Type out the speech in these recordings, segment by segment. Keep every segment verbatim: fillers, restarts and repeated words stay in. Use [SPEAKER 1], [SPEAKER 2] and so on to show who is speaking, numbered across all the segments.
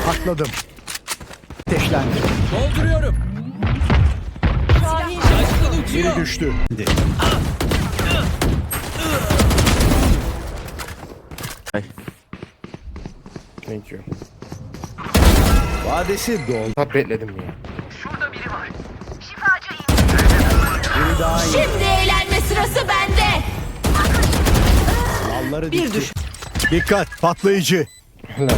[SPEAKER 1] Atladım. Ateşlendi.
[SPEAKER 2] Dolduruyorum. Şaşkın uçuyor.
[SPEAKER 1] Biri düştü.
[SPEAKER 3] Thank you.
[SPEAKER 1] Vadesi doldu.
[SPEAKER 3] Tat bekledim ya.
[SPEAKER 1] Biri daha iyi.
[SPEAKER 4] Şimdi eğlenme sırası bende.
[SPEAKER 1] Dalları
[SPEAKER 4] Bir
[SPEAKER 1] dikti.
[SPEAKER 4] düş.
[SPEAKER 1] Dikkat patlayıcı.
[SPEAKER 3] Helal.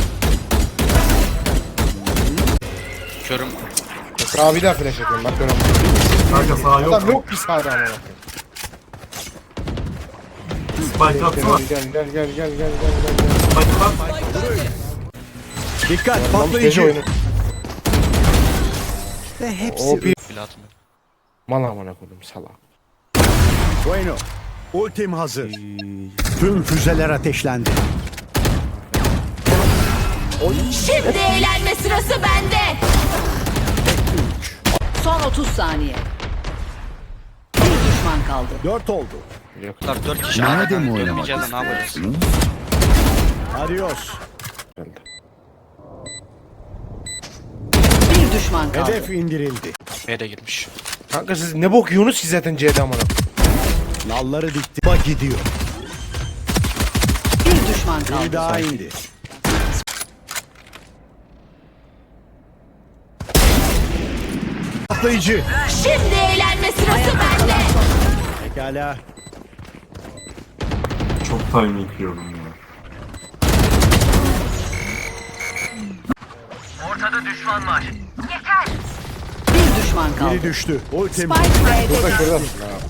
[SPEAKER 5] Körüm.
[SPEAKER 3] Daha bir daha flash atıyorum bak görüyorum.
[SPEAKER 6] Kanka sağ yok.
[SPEAKER 3] Adam yok bir sağda ama bakayım.
[SPEAKER 6] Spike atsana.
[SPEAKER 3] Gel gel gel gel gel gel gel gel.
[SPEAKER 6] Spike at.
[SPEAKER 1] Dikkat
[SPEAKER 3] Gece
[SPEAKER 1] patlayıcı.
[SPEAKER 3] oyunu.
[SPEAKER 1] Ve hepsi
[SPEAKER 3] O bir
[SPEAKER 5] Bile atmıyor.
[SPEAKER 3] mal amına koydum salak.
[SPEAKER 1] Bueno. Ultim hazır. Tüm füzeler ateşlendi.
[SPEAKER 4] Şimdi eğlenme sırası bende. Son otuz saniye. Bir düşman kaldı.
[SPEAKER 1] Dört oldu.
[SPEAKER 5] Bunlar dört kişi.
[SPEAKER 1] Nerede mi
[SPEAKER 5] Dönmeyeceğiz de ne yapacağız?
[SPEAKER 1] Adios.
[SPEAKER 3] Geldi.
[SPEAKER 4] Bir düşman kaldı.
[SPEAKER 1] Hedef indirildi.
[SPEAKER 5] B de girmiş.
[SPEAKER 3] Kanka siz ne bok yiyorsunuz ki zaten C'de amına.
[SPEAKER 1] Nalları dikti. Bak gidiyor.
[SPEAKER 4] Bir düşman
[SPEAKER 1] Biri
[SPEAKER 4] kaldı.
[SPEAKER 1] daha indi. Patlayıcı.
[SPEAKER 4] Şimdi eğlenme sırası bende.
[SPEAKER 1] Pekala.
[SPEAKER 6] Çok timing yiyorum ya.
[SPEAKER 4] Bir düşman kaldı.
[SPEAKER 1] Biri düştü. Ultim.
[SPEAKER 4] Spike B'de
[SPEAKER 3] Burada
[SPEAKER 4] düştü.
[SPEAKER 3] şurada.